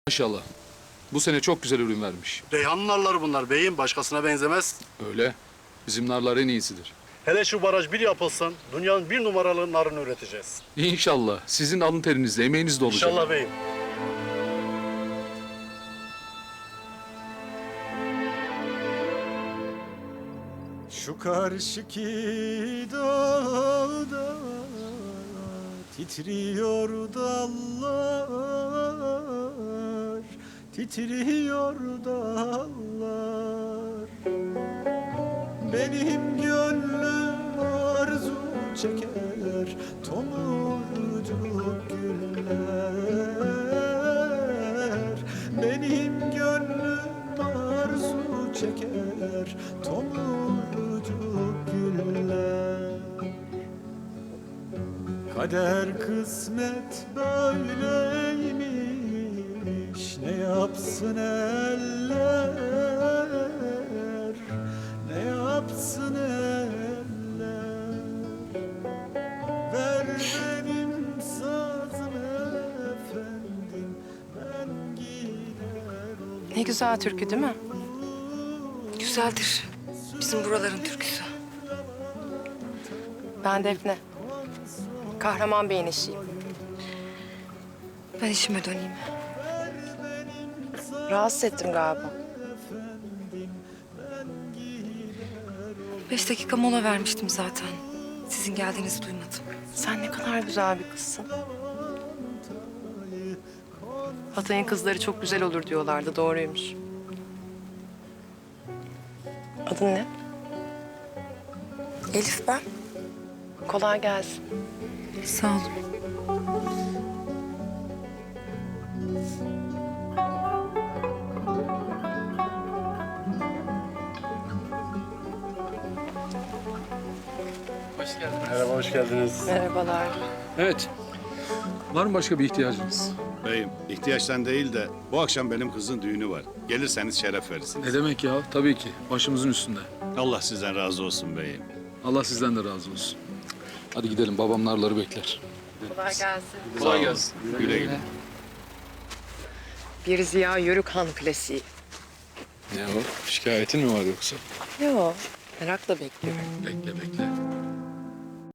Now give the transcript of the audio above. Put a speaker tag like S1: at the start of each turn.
S1: Maşallah. Bu sene çok güzel ürün vermiş.
S2: Reyhan narları bunlar beyim. Başkasına benzemez.
S1: Öyle. Bizim narlar en iyisidir.
S2: Hele şu baraj bir yapılsın, dünyanın bir numaralı narını üreteceğiz.
S1: İnşallah. Sizin alın terinizle, emeğiniz de olacak.
S2: İnşallah beyim.
S3: Şu karşıki dağda titriyor dallar, titriyor dallar. Benim gönlüm arzu çeker tomurcuk güller. Benim gönlüm arzu çeker tomurcuk güller. Kader kısmet böyleymiş, ne yapsın eller, ne yapsın eller. Ver benim sazımı efendim, ben gider olurum.
S4: Ne güzel türkü değil mi?
S5: Güzeldir. Bizim buraların türküsü.
S4: Ben Defne. Kahraman Bey'in eşiyim.
S5: Ben işime döneyim.
S4: Rahatsız ettim galiba.
S5: 5 dakika mola vermiştim zaten. Sizin geldiğinizi duymadım.
S4: Sen ne kadar güzel bir kızsın. Hatay'ın kızları çok güzel olur diyorlardı, doğruymuş. Adın ne?
S5: Elif ben.
S4: Kolay gelsin.
S5: Sağ olun.
S1: Hoş geldiniz.
S2: Merhaba, hoş geldiniz.
S4: Merhabalar.
S1: Evet. Var mı başka bir ihtiyacınız?
S6: Beyim, ihtiyaçtan değil de bu akşam benim kızın düğünü var. Gelirseniz şeref verirsiniz.
S1: Ne demek ya? Tabii ki. Başımızın üstünde.
S6: Allah sizden razı olsun beyim.
S1: Allah sizden de razı olsun. Hadi gidelim. Babam narları bekler.
S4: Kolay gelsin.
S1: Kolay gelsin.
S6: Güle güle.
S4: Bir Ziya Yörükhan klasiği.
S1: Ne o? Şikayetin mi var yoksa?
S4: Yo, merakla bekliyorum.
S1: Bekle bekle.